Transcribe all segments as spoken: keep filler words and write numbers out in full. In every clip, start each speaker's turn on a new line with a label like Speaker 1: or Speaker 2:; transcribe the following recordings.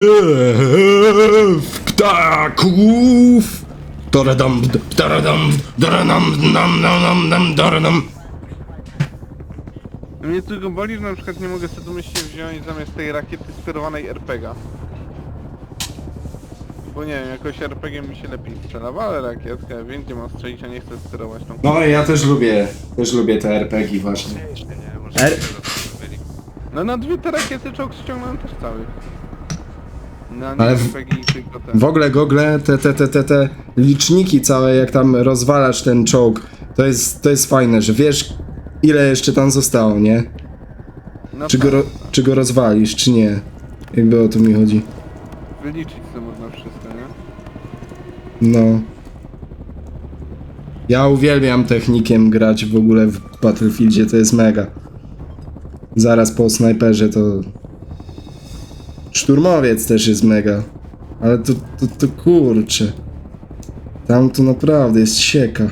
Speaker 1: Eee, ptaków! Doradam, doradam, doradam, nam, nam, nam, nam, doradam.
Speaker 2: Mnie tylko boli, że na przykład nie mogę sobie domyślnie wziąć zamiast tej rakiety sterowanej er pe gie a. Bo nie wiem, jakoś er pe gie mi się lepiej strzela, ale rakietkę, ja wiem gdzie mam strzelić, a nie chcę sterować tą...
Speaker 1: No ja też lubię, też lubię te er pe gie właśnie. Er...
Speaker 2: No na dwie te rakiety czołg ściągnąłem też cały. Na
Speaker 1: Ale
Speaker 2: nie
Speaker 1: w-
Speaker 2: er pe gie i tylko ten.
Speaker 1: W ogóle gogle, te, te, te, te, te liczniki całe, jak tam rozwalasz ten czołg, to jest, to jest fajne, że wiesz ile jeszcze tam zostało, nie?
Speaker 2: No
Speaker 1: Czy
Speaker 2: tak,
Speaker 1: go, ro,
Speaker 2: tak.
Speaker 1: czy go rozwalisz, czy nie? Jakby o to mi chodzi.
Speaker 2: Wyliczyć sobie można wszystko, nie?
Speaker 1: No. Ja uwielbiam technikiem grać w ogóle w Battlefieldzie, to jest mega. Zaraz po snajperze to... Szturmowiec też jest mega. Ale to, to, to kurczę. Tam to naprawdę jest sieka.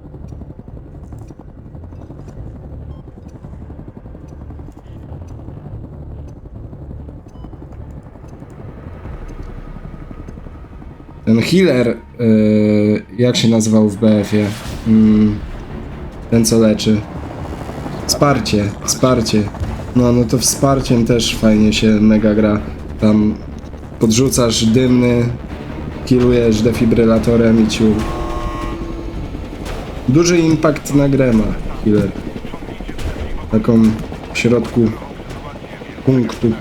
Speaker 1: Ten healer, yy, jak się nazywał w be efie? Mm, ten co leczy. Wsparcie, wsparcie. No, no to wsparciem też fajnie się mega gra. Tam podrzucasz dymny, killujesz defibrylatorem i ciu. Duży impact na grę ma healer. Taką w środku punktu.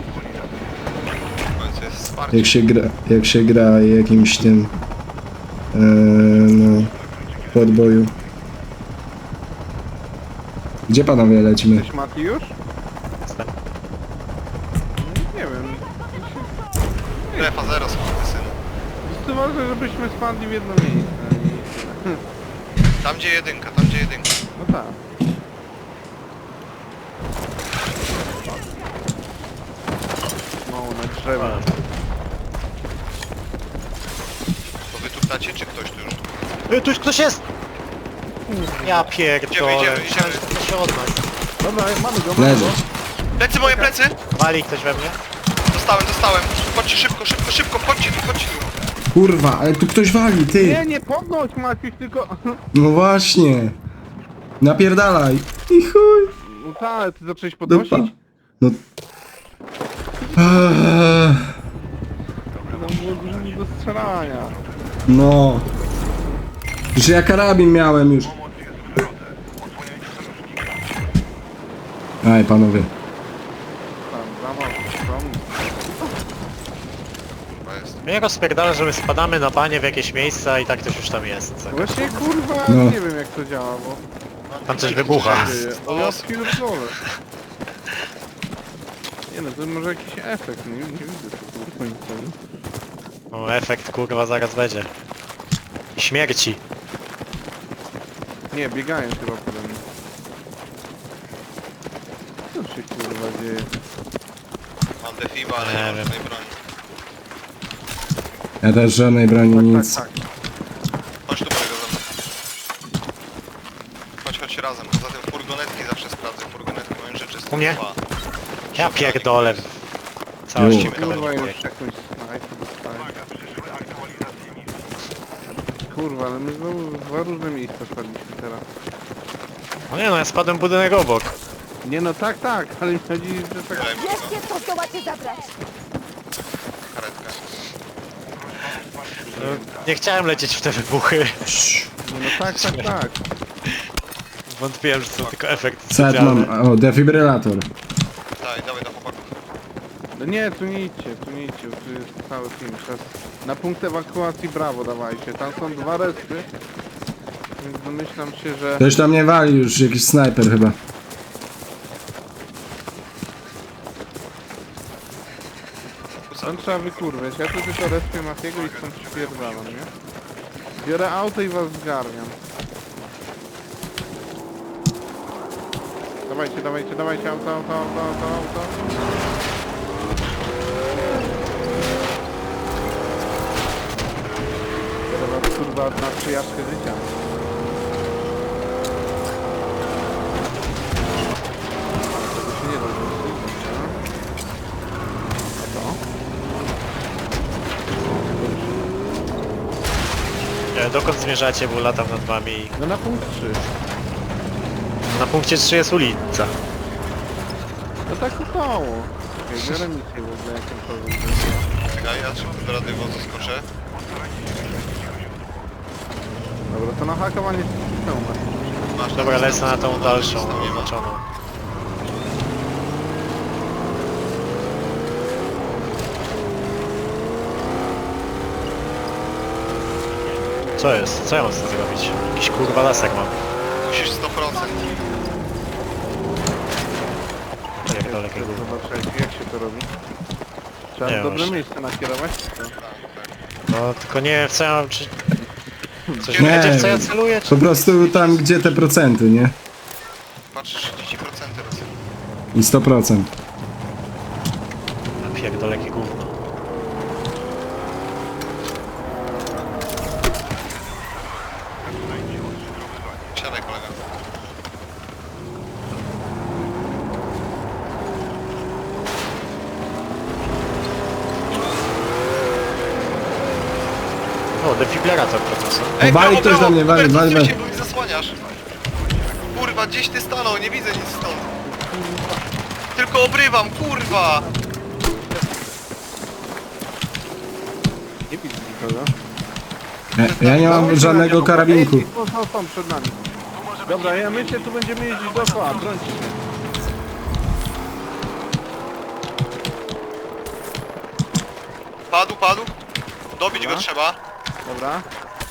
Speaker 1: Jak się gra, jak się gra jakimś tym e, no, podboju. Gdzie panowie lecimy?
Speaker 2: Cześć Mati już? No, nie wiem.
Speaker 3: Strefa zero, synu.
Speaker 2: To może żebyśmy spadli w jedno miejsce. i-
Speaker 3: Tam gdzie jedynka, tam gdzie jedynka.
Speaker 2: No tak. No, na drzewie.
Speaker 3: To wy tu ptacie, czy ktoś tu już?
Speaker 4: Y, tu już ktoś jest! Ja pierdolę.
Speaker 3: Idziemy, idziemy, idziemy.
Speaker 4: Myślałem, że to ktoś od nas.
Speaker 2: Dobra, mamy go, mamy
Speaker 1: Leży.
Speaker 2: go.
Speaker 3: Plecy, moje plecy!
Speaker 4: Wali ktoś we mnie?
Speaker 3: Dostałem, dostałem. Chodźcie szybko, szybko, szybko, chodźcie tu, chodźcie tu.
Speaker 1: Kurwa, ale tu ktoś wali, ty!
Speaker 2: Nie, nie podnoś Maciuś, tylko...
Speaker 1: No właśnie! Napierdalaj! I chuj!
Speaker 2: No tak, ale ty zacząłeś
Speaker 1: Dupa.
Speaker 2: podnosić?
Speaker 1: No... Eee,
Speaker 2: Tam było dużo nie do strzelania.
Speaker 1: no... Że ja karabin miałem już. Aj, panowie.
Speaker 2: Tam, za mocno, tam.
Speaker 3: Chyba jest.
Speaker 4: Mnie rozpierdala, że my spadamy na banie w jakieś miejsca i tak ktoś już tam jest.
Speaker 2: Właśnie kurwa,
Speaker 1: No.
Speaker 2: nie wiem jak to działa, bo...
Speaker 4: Tam coś wybucha.
Speaker 2: Dzieje. O ja pierdolę. Nie no, to może jakiś efekt, nie, nie widzę tu kurwa nic.
Speaker 4: O, efekt kurwa zaraz będzie. Śmierci.
Speaker 2: Nie, biegają chyba pode mnie. Co się kurwa dzieje?
Speaker 3: Mam defiba, ale
Speaker 4: Nie
Speaker 3: nie mam
Speaker 4: wiem.
Speaker 3: żadnej broni.
Speaker 1: Ja też żadnej broni,
Speaker 2: Tak,
Speaker 1: nic.
Speaker 2: tak, tak.
Speaker 3: Chodź tu, Borego, ze mną. Chodź, chodź razem. Poza tym furgonetki zawsze sprawdzę. Furgonetki mają rzeczy z
Speaker 4: U mnie?
Speaker 3: dwa.
Speaker 4: Ja pierdolę. Całości
Speaker 1: Jo.
Speaker 4: kawałek
Speaker 2: Kurwa już
Speaker 4: bieg.
Speaker 2: jakąś snajpę dostałem. Kurwa, ale my znowu w dwa różne miejsca spadliśmy teraz.
Speaker 4: O nie no, ja spadłem w budynek obok.
Speaker 2: Nie no tak, tak, ale mi chodzi, że tak...
Speaker 3: Daj mi go,
Speaker 5: Wiecie, co zdołacie zabrać.
Speaker 3: karetkę.
Speaker 4: No, nie chciałem lecieć w te wybuchy.
Speaker 2: Nie no tak, tak, tak.
Speaker 4: Wątpiłem, że to tylko efekt
Speaker 1: Set
Speaker 4: specjalny.
Speaker 1: mam, o, defibrylator.
Speaker 3: Daj, dawaj do chłopaków.
Speaker 2: No nie, tu nie idźcie, tu nie idźcie, tu jest cały film. Teraz na punkt ewakuacji brawo dawajcie. Tam są dwa respy. Więc domyślam się, że...
Speaker 1: Ktoś tam nie wali już, jakiś snajper chyba.
Speaker 2: Tam trzeba wykurwiać. Ja tu tylko respię Matiego i stąd śpierdalam, nie? Biorę auto i was zgarniam. Dawajcie, dawajcie, dawajcie, auto, auto, auto, auto, auto. Biorę was kurwa na przyjażdżkę życia. Tego się nie da zrobić, nie? A co?
Speaker 4: Nie, dokąd zmierzacie, bo latam nad wami i
Speaker 2: No na punkt trzy.
Speaker 4: na punkcie trzy jest ulica.
Speaker 2: No tak około. Czekaj, biorę misję w ogóle jakąkolwiek.
Speaker 3: Czekaj, ja szybko do radiowozu skoczę.
Speaker 2: Dobra, to na hakowanie systemu masz.
Speaker 3: Masz
Speaker 4: Dobra,
Speaker 3: tam
Speaker 4: lecę na tą
Speaker 3: system,
Speaker 4: dalszą,
Speaker 3: system nie ma.
Speaker 4: oznaczoną. Co jest? Co ja mam z tym zrobić? Jakiś kurwa lasek mam.
Speaker 3: Musisz sto procent.
Speaker 4: Jak dalekie gówno.
Speaker 2: Zobaczę, jak się to robi. Trzeba
Speaker 4: Nie,
Speaker 2: w dobre
Speaker 4: właśnie.
Speaker 2: miejsce nakierować? To.
Speaker 4: No tylko nie wiem w co ja mam, czy... Coś
Speaker 1: Nie
Speaker 4: będzie w co ja
Speaker 1: wiem.
Speaker 4: celuję, czy...
Speaker 1: Po prostu tam, gdzie te procenty, nie?
Speaker 3: Patrz, trzydzieści procent teraz.
Speaker 1: I sto procent.
Speaker 4: Jak dalekie gówno.
Speaker 3: Siadaj, kolega.
Speaker 4: O, defibrylator profesor.
Speaker 3: Ej,
Speaker 1: Wali
Speaker 3: brawo,
Speaker 1: ktoś
Speaker 3: brawo,
Speaker 1: do mnie, wali,
Speaker 3: Hubert,
Speaker 1: wali,
Speaker 3: odsuń
Speaker 1: wali.
Speaker 3: się, bo mi zasłaniasz. Kurwa, gdzieś ty stanął, nie widzę nic stąd. Tylko obrywam, kurwa!
Speaker 2: Nie widzę nikogo.
Speaker 1: Ja, ja nie mam
Speaker 2: Dawajcie
Speaker 1: żadnego
Speaker 2: na niego.
Speaker 1: karabinku.
Speaker 2: Ej, są, są, są przed nami. Dobra, ja myślę, tu będziemy jeździć dookoła, brońcie się.
Speaker 3: Padł, padł. Dobić
Speaker 2: Dobra.
Speaker 3: go trzeba.
Speaker 2: Dobra.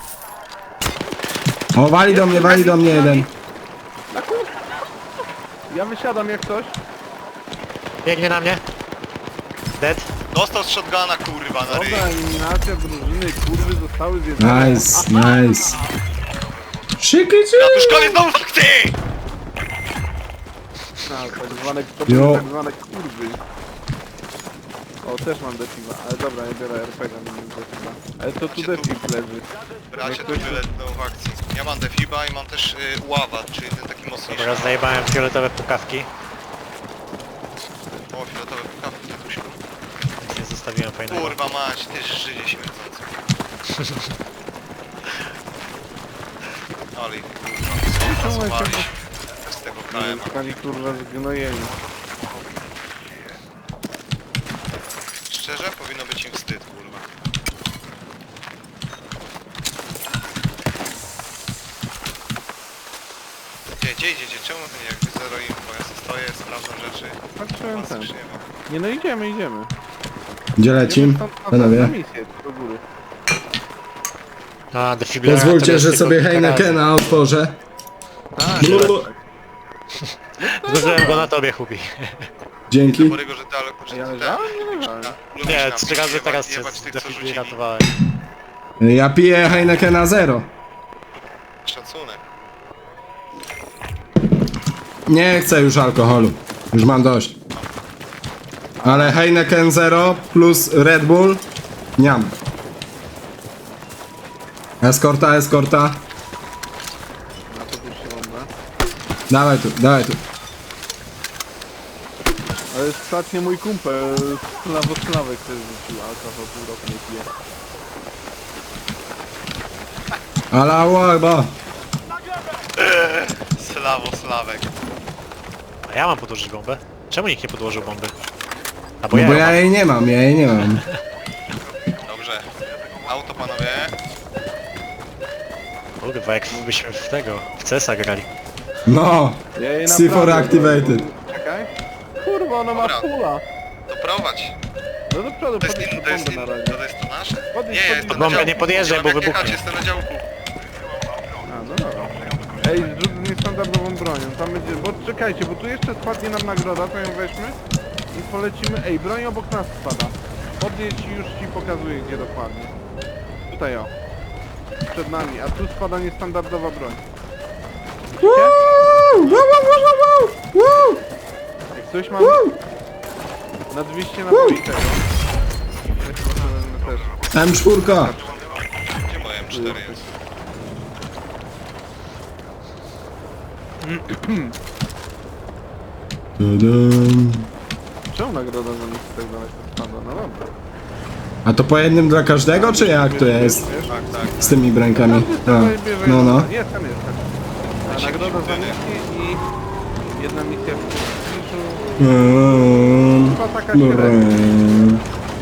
Speaker 1: O, wali do mnie, wali do mnie jeden.
Speaker 2: Na kur... Ja wysiadam jak coś.
Speaker 4: Biegnie na mnie. Dead.
Speaker 3: Dostał z shotguna, kurwa, na ryj.
Speaker 2: Dobra, eliminacja drużyny, kurwy zostały zjedzone.
Speaker 1: Nice, nice. Szyky,
Speaker 3: Ratuszkowie znowu fakty!
Speaker 2: No, tak zwane, to
Speaker 1: Jo.
Speaker 2: były tak zwane kurwy. O, też mam defiba, ale dobra, ja biorę R P G, nie mam defiba. Ale to tu
Speaker 3: Macie tu-
Speaker 2: defib leży.
Speaker 3: Bracie,
Speaker 2: Jak
Speaker 3: tu
Speaker 2: ktoś-
Speaker 3: wyletną w akcji. Ja mam defiba i mam też y, ława, czyli ten taki mocniejszy.
Speaker 4: Dobra, zajebałem fioletowe pukawki.
Speaker 3: O, fioletowe pukawki, tatusiu.
Speaker 4: Nie zostawiłem fajnego.
Speaker 3: Kurwa mać, ty Żydzie śmierdzący. Ale ich, kurwa,
Speaker 2: Czemu ja
Speaker 3: złapaliśmy
Speaker 2: się-
Speaker 3: z tego K M.
Speaker 2: Zostali kurwa zgnojeni.
Speaker 3: Szczerze, powinno być im wstyd, kurwa. Gdzie, gdzie idziecie? Czemu wy nie jakby zero info? Ja sobie stoję, sprawdzam rzeczy.
Speaker 2: Patrzyłem
Speaker 3: Was
Speaker 2: ten.
Speaker 3: już nie ma.
Speaker 2: Nie no, idziemy, idziemy.
Speaker 1: Gdzie lecim?
Speaker 2: Idziemy stąd na-
Speaker 1: Panowie?
Speaker 2: na misję, do góry.
Speaker 4: A, defibrylator
Speaker 1: Pozwólcie,
Speaker 4: jest
Speaker 1: że
Speaker 4: tylko
Speaker 1: sobie
Speaker 4: kilka
Speaker 1: Heinekena otworzę.
Speaker 2: Tak,
Speaker 1: Blub.
Speaker 2: tak.
Speaker 4: razy. Zużyłem go na tobie, Hubi.
Speaker 1: Dzięki.
Speaker 3: Borego, że ty, ale kurczę,
Speaker 2: Ja
Speaker 3: ty
Speaker 2: leżałem?
Speaker 3: tak,
Speaker 2: Nie leżałem.
Speaker 3: lubisz
Speaker 4: Nie,
Speaker 3: tam
Speaker 4: trzy razy
Speaker 3: jebać-
Speaker 4: teraz cię
Speaker 3: jebać tych, co rzucili.
Speaker 4: defibrylatowałem.
Speaker 1: Ja piję Heinekena zero.
Speaker 3: Szacunek.
Speaker 1: Nie chcę już alkoholu. Już mam dość. Ale Heineken zero plus Red Bull. Niam. Eskorta, eskorta.
Speaker 2: Na to też się bomba.
Speaker 1: Dawaj tu, dawaj tu.
Speaker 2: Ale ostatnio mój kumpel Slawosławek też rzucił alkohol, pół roku nie pije.
Speaker 1: Allahu Akbar.
Speaker 3: Slawo, Slawek.
Speaker 4: A ja mam podłożyć bombę? Czemu nikt nie podłożył bomby? A bo
Speaker 1: No
Speaker 4: ja
Speaker 1: bo
Speaker 4: ją
Speaker 1: ja
Speaker 4: mam.
Speaker 1: jej nie mam, ja jej nie mam.
Speaker 3: Dobrze. Auto, panowie.
Speaker 4: Kurwa, jak byśmy w tego, w C S a grali.
Speaker 1: No.
Speaker 2: Ja jej
Speaker 1: C four
Speaker 2: naprawdę-
Speaker 1: activated.
Speaker 2: Czekaj. Kurwa, ona ma
Speaker 3: Dobra.
Speaker 2: pula.
Speaker 3: To prowadź.
Speaker 2: No do przodu,
Speaker 3: To jest,
Speaker 2: podjedź
Speaker 3: in,
Speaker 2: pod
Speaker 3: to jest,
Speaker 2: bombę
Speaker 3: in,
Speaker 2: na razie.
Speaker 3: to jest to nasze?
Speaker 2: Podjedź,
Speaker 3: Nie,
Speaker 2: podjedź.
Speaker 3: jest
Speaker 2: Pod
Speaker 3: na
Speaker 4: bombę
Speaker 3: działku.
Speaker 4: nie podjeżdżaj,
Speaker 3: mam
Speaker 4: bo
Speaker 3: jak
Speaker 4: wybuchnie.
Speaker 3: jechać, jestem na działku.
Speaker 2: A, no dobra. Ej, zrzut z niestandardową bronią. Tam będzie, bo czekajcie, bo tu jeszcze spadnie nam nagroda, to ją weźmy i polecimy. Ej, broń obok nas spada. Podjedź i już ci pokazuję, gdzie dokładnie. Tutaj o. Przed nami, a tu spada niestandardowa broń.
Speaker 1: Woo! Wow, wow, wow, wow, wow!
Speaker 2: Jak coś mam na dwieście naboi tego. Ja chyba sobie wezmę też.
Speaker 1: M cztery.
Speaker 3: Gdzie moje M cztery jest?
Speaker 1: Tadam.
Speaker 2: Czemu nagroda za mnie tak daleko spada? No dobra.
Speaker 1: A to po jednym dla każdego, czy jak to jest?
Speaker 2: Wiesz?
Speaker 3: Tak, tak.
Speaker 1: Z tymi brankami.
Speaker 2: Każdy
Speaker 1: A,
Speaker 2: sobie bierze
Speaker 1: no, no.
Speaker 2: jedno. Jest, tam jest. Tak. A nagroda za misję i jedna misja w prestiżu.
Speaker 1: Mm,
Speaker 2: Chyba taka średnia.
Speaker 1: mm.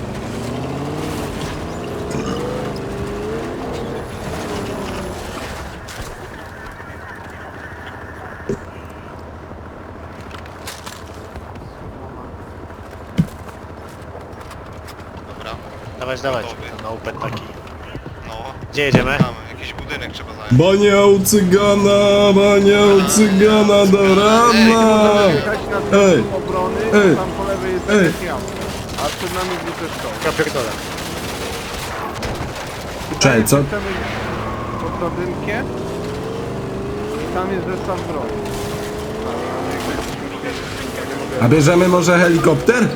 Speaker 3: Dobra,
Speaker 4: Dawać, dawać.
Speaker 3: Gotowy.
Speaker 4: Na open taki.
Speaker 3: no.
Speaker 4: Gdzie jedziemy?
Speaker 3: Mamy, jakiś budynek trzeba zająć.
Speaker 1: Bania u cygana, bania u cygana do rana!
Speaker 2: Jechać na
Speaker 1: Ej.
Speaker 2: centrum obrony,
Speaker 1: Ej.
Speaker 2: tam po lewej jest
Speaker 1: Ej.
Speaker 2: jakaś jama. A przed nami wrócę szkoły.
Speaker 4: Ja pierdolę.
Speaker 1: Czekaj, co?
Speaker 2: Chcemy pod drabinkę i tam jest zestaw broni.
Speaker 1: A bierzemy może helikopter?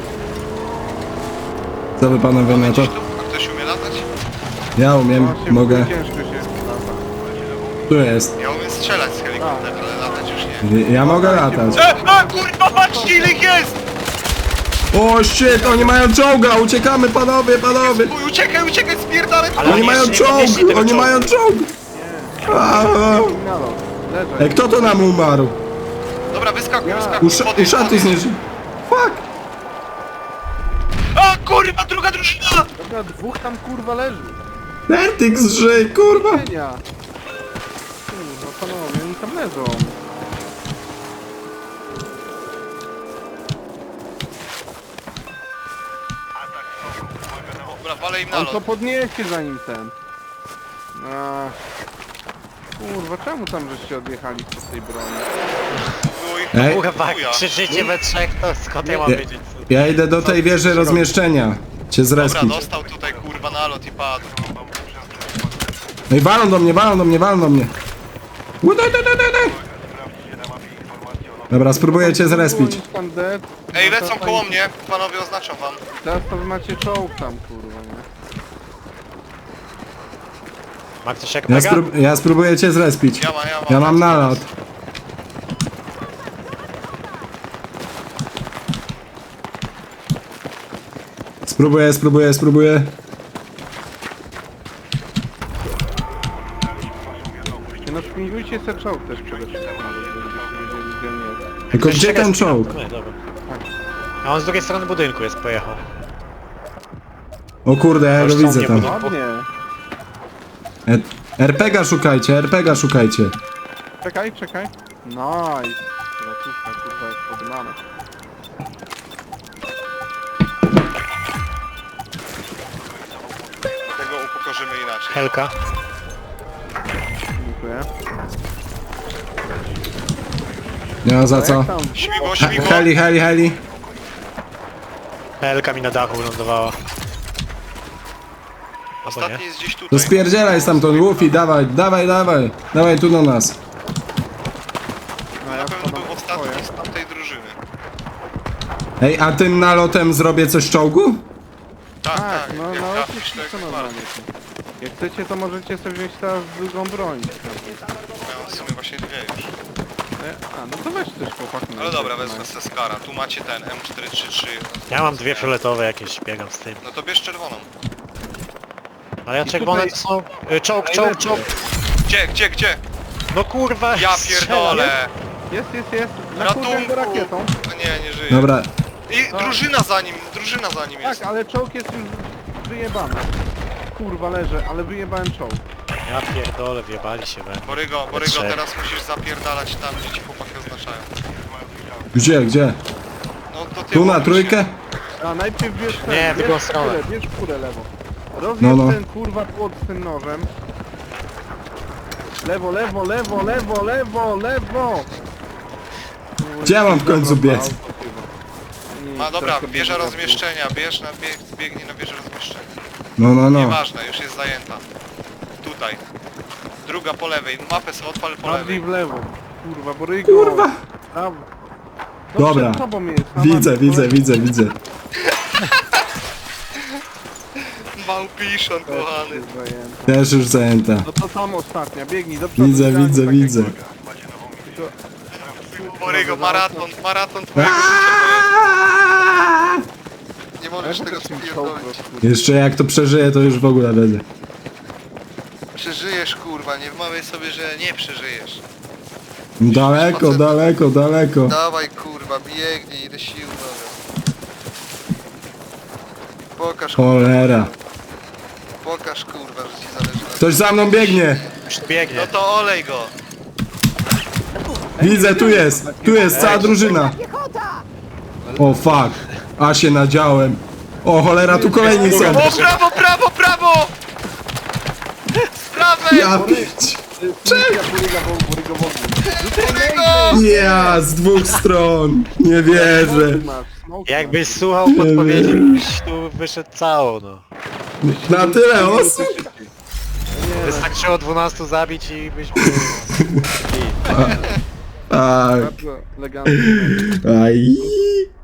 Speaker 1: Co wy panowie na to?
Speaker 3: Gdzieś tu? A ktoś umie latać?
Speaker 1: Ja umiem,
Speaker 2: Właśnie
Speaker 1: mogę.
Speaker 2: Ciężko się lata.
Speaker 1: Tu jest.
Speaker 3: Ja umiem strzelać z helikoptera, ale latać już nie.
Speaker 1: Ja mogę latać.
Speaker 3: E, a kurwa, patrzcie ile ich jest!
Speaker 1: O shit, oni mają czołga, uciekamy panowie, panowie!
Speaker 3: Uj, uciekaj, uciekaj, spierdalaj!
Speaker 4: Ale
Speaker 1: Oni mają
Speaker 4: jeszcze nie
Speaker 1: czołg,
Speaker 4: podnieśli tego
Speaker 1: oni
Speaker 4: czołgu.
Speaker 1: mają czołg! A, a.
Speaker 2: Nalot. Leżę.
Speaker 1: Ej, kto to nam umarł?
Speaker 3: Dobra, wyskakuj,
Speaker 2: Ja.
Speaker 3: wyskakuj,
Speaker 1: Usza,
Speaker 3: podjedź,
Speaker 1: uszaty
Speaker 3: podjedź.
Speaker 1: zniszczy. Fuck!
Speaker 3: A kurwa, druga drużyna!
Speaker 2: Dobra, dwóch tam kurwa leży.
Speaker 1: Vertix żyj, kurwa!
Speaker 2: Cienia. Kurwa, panowie, oni tam leżą.
Speaker 3: Dobra, walę im
Speaker 2: On
Speaker 3: nalot.
Speaker 2: to podniesie zanim ten. A. Kurwa, czemu tam żeście odjechali z tej broni?
Speaker 3: Było ich
Speaker 1: Ej.
Speaker 4: Kurwa,
Speaker 3: chuja.
Speaker 4: krzyczycie we trzech, to skąd ja mam
Speaker 1: Ja,
Speaker 4: wiedzieć?
Speaker 1: ja idę do tej wieży rozmieszczenia. Cię
Speaker 3: Dobra,
Speaker 1: zrespić.
Speaker 3: dostał tutaj kurwa nalot i padł.
Speaker 1: Ej, walą do mnie, walą do mnie, walą do mnie. Udaj, daj, daj, daj, daj. Dobra, spróbuję cię zrespić.
Speaker 2: Oni tam dead.
Speaker 3: Ej,
Speaker 2: No to
Speaker 3: lecą
Speaker 2: fajnie.
Speaker 3: koło mnie, panowie oznaczam wam.
Speaker 2: Teraz to wy macie czołg tam, kurwa, nie?
Speaker 4: Ma ktoś jak
Speaker 1: Ja,
Speaker 4: mega?
Speaker 1: sprób ja spróbuję cię zrespić.
Speaker 3: Ja mam, ja mam.
Speaker 1: Ja mam nalot. Spróbuję, spróbuję, spróbuję.
Speaker 2: Nie no, szpingujcie se czołg też przede wszystkim, żebyście wiedzieli, gdzie on jest.
Speaker 1: Tylko gdzie ten czołg?
Speaker 4: Nie, dobra. A on z drugiej strony budynku jest, pojechał.
Speaker 1: O kurde, ja
Speaker 4: Już
Speaker 1: go
Speaker 4: są
Speaker 1: widzę
Speaker 4: nie
Speaker 1: tam.
Speaker 4: budu-
Speaker 2: Ładnie.
Speaker 1: E R P G a szukajcie, R P G a szukajcie.
Speaker 2: Czekaj, czekaj. Nice. Ratuszka, kurwa, jest podmana.
Speaker 3: Tego upokorzymy inaczej.
Speaker 4: Helka.
Speaker 2: Dziękuję.
Speaker 1: Nie ma za co.
Speaker 2: Jak tam?
Speaker 3: Śmigło,
Speaker 1: He
Speaker 3: śmigło.
Speaker 1: heli, heli, heli.
Speaker 4: Helka mi na dachu wylądowała. Albo nie?
Speaker 3: Ostatni jest gdzieś
Speaker 1: To
Speaker 3: tutaj.
Speaker 1: spierdzielaj stamtąd, Luffy, dawaj, dawaj, dawaj. Dawaj tu do nas.
Speaker 2: No,
Speaker 3: Na
Speaker 2: ja
Speaker 3: pewno
Speaker 2: wpadam
Speaker 3: był
Speaker 2: w
Speaker 3: ostatni
Speaker 2: swoje.
Speaker 3: z tamtej drużyny.
Speaker 1: Ej, a tym nalotem zrobię coś czołgu?
Speaker 3: Tak,
Speaker 2: Tak,
Speaker 3: tak,
Speaker 2: no,
Speaker 3: jak
Speaker 2: no
Speaker 3: trafisz, to
Speaker 2: oczywiście
Speaker 3: jak
Speaker 2: co
Speaker 3: bardzo.
Speaker 2: normalnie. Jak chcecie, to możecie sobie wziąć teraz drugą broń.
Speaker 3: Miałem w sumie właśnie dwie już.
Speaker 2: E, A, no to weź też chłopak.
Speaker 3: Ale dobra, wezmę se Skara. Tu macie ten M cztery trzy trzy.
Speaker 4: Ja mam dwie fioletowe jakieś, biegam z tym.
Speaker 3: No to bierz czerwoną.
Speaker 4: Ale ja
Speaker 2: I
Speaker 4: czerwone
Speaker 2: tutaj-
Speaker 4: to są... y, Czołg, czołg, czołg!
Speaker 3: Gdzie, gdzie, gdzie?
Speaker 4: No kurwa!
Speaker 3: Ja
Speaker 4: strzela,
Speaker 3: pierdolę!
Speaker 2: Jest, jest, jest. Na
Speaker 3: Ratunku!
Speaker 2: kurwę go rakietą.
Speaker 3: No nie, nie żyje.
Speaker 1: Dobra,
Speaker 3: I drużyna za nim, drużyna za nim jest.
Speaker 2: Tak, ale czołg jest już wyjebany. Kurwa leżę, ale wyjebałem czołg.
Speaker 4: nie? Ja pierdolę, wjebali się we mnie.
Speaker 3: Borygo, Borygo,
Speaker 4: Trzech.
Speaker 3: teraz musisz zapierdalać tam, gdzie ci chłopaki oznaczają.
Speaker 1: gdzie, gdzie?
Speaker 3: No to ty
Speaker 1: Tu na
Speaker 3: odwróć
Speaker 1: trójkę?
Speaker 2: A najpierw bierz ten,
Speaker 4: Nie, w drugą
Speaker 2: bierz
Speaker 4: stronę.
Speaker 2: kurę, bierz kurę lewo. Rozjedź
Speaker 1: No, no.
Speaker 2: ten kurwa płot z tym nożem. Lewo, lewo, lewo, lewo, lewo, lewo!
Speaker 1: Gdzie ja mam w końcu biec?
Speaker 3: się. A dobra, wieża rozmieszczenia, bierz na bieg, biegnij na wieżę rozmieszczenia.
Speaker 1: No, no, no.
Speaker 3: Nieważne, już jest zajęta. Tutaj. Druga po lewej, mapę sobie odpal po
Speaker 2: Bardziej
Speaker 3: lewej.
Speaker 2: w lewo. Kurwa, Borygo.
Speaker 1: Kurwa!
Speaker 2: Prawo. No
Speaker 1: Dobra.
Speaker 2: przed tobą jest, na
Speaker 1: Widzę,
Speaker 2: mapie,
Speaker 1: widzę,
Speaker 2: Borygo.
Speaker 1: widzę, widzę.
Speaker 3: Małpiszon, kochany.
Speaker 2: Jest zajęta.
Speaker 1: Też już zajęta.
Speaker 2: No to tam ostatnia, biegnij do przodu.
Speaker 1: Widzę,
Speaker 2: idealnie
Speaker 1: widzę,
Speaker 2: tak
Speaker 1: widzę.
Speaker 2: jak-
Speaker 3: Borygo, maraton, maraton twojego życia.
Speaker 1: Aaaa!
Speaker 3: Nie możesz tego spierdolić.
Speaker 1: Jeszcze jak to przeżyję, to już w ogóle będę.
Speaker 3: Przeżyjesz kurwa, nie wmawiaj sobie, że nie przeżyjesz.
Speaker 1: Daleko, daleko, daleko.
Speaker 3: Dawaj kurwa, biegnij, ile sił mamy. Pokaż kurwa,
Speaker 1: Cholera.
Speaker 3: pokaż kurwa, że ci zależy na
Speaker 1: Ktoś za mną biegnie.
Speaker 4: Już tu biegnie.
Speaker 3: No to olej go.
Speaker 1: Widzę, tu jest. Tu jest cała drużyna. O fuck. A się nadziałem. O cholera, tu kolejni są.
Speaker 3: O prawo, prawo, prawo! Z prawej!
Speaker 1: Ja pić.
Speaker 3: Kurego!
Speaker 1: Ja z dwóch stron. Nie wierzę.
Speaker 4: Jakbyś słuchał podpowiedzi, byś tu wyszedł cało, no.
Speaker 1: Na tyle osób.
Speaker 4: Wystarczyło dwunastu zabić i byś był...
Speaker 1: Tak.
Speaker 2: Bardzo elegancki.
Speaker 1: Aj.